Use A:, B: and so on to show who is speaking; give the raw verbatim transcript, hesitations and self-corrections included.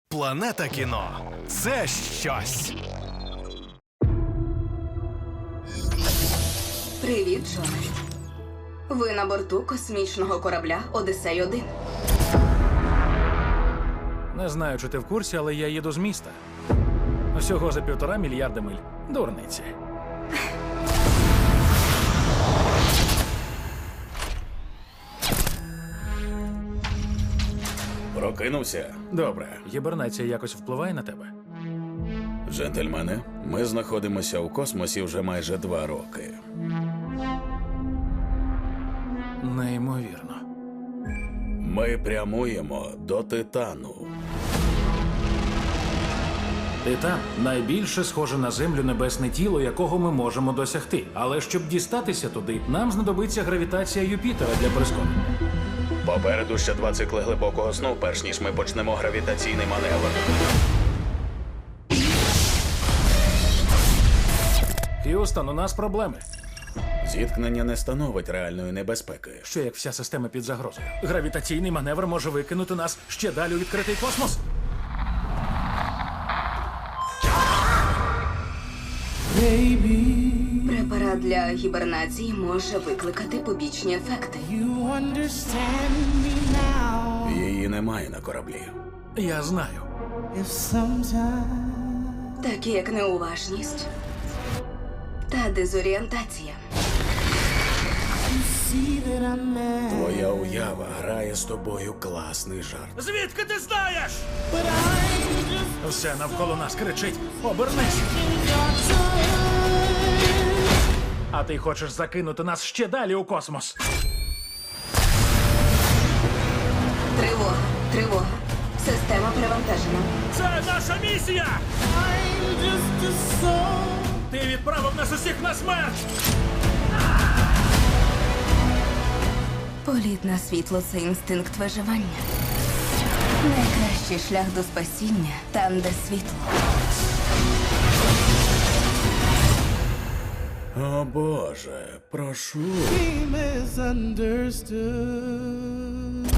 A: Планета кіно – це щось.
B: Привіт, Джоне. Ви на борту космічного корабля «Одіссей один».
C: Не знаю, чи ти в курсі, але я їду з міста. Всього за півтора мільярда миль. Дурниці.
D: Прокинувся?
C: Добре. Гібернація якось впливає на тебе?
D: Джентльмени, ми знаходимося у космосі вже майже два роки.
C: Неймовірно.
D: Ми прямуємо до Титану.
C: Титан – найбільше схоже на Землю небесне тіло, якого ми можемо досягти. Але щоб дістатися туди, нам знадобиться гравітація Юпітера для прискорення.
D: Попереду ще два цикли глибокого сну, перш ніж ми почнемо гравітаційний маневр.
C: Х'юстон, у нас проблеми.
D: Зіткнення не становить реальної небезпеки.
C: Що як вся система під загрозою? Гравітаційний маневр може викинути нас ще далі у відкритий космос.
B: Препарат для гібернації може викликати побічні ефекти.
D: Її немає на кораблі.
C: Я знаю.
B: Такі як неуважність та дезорієнтація.
D: Твоя уява грає з тобою класний жарт.
C: Звідки ти знаєш? Все навколо нас кричить: обернись! А ти хочеш закинути нас ще далі у космос?
B: Тривога, тривога. Система перевантажена.
C: Це наша місія! Ти відправив нас усіх на смерть!
B: Політ на світло – це інстинкт виживання. Найкращий шлях до спасіння – там, де світло.
D: О Боже, прошу.
E: Misunderstood.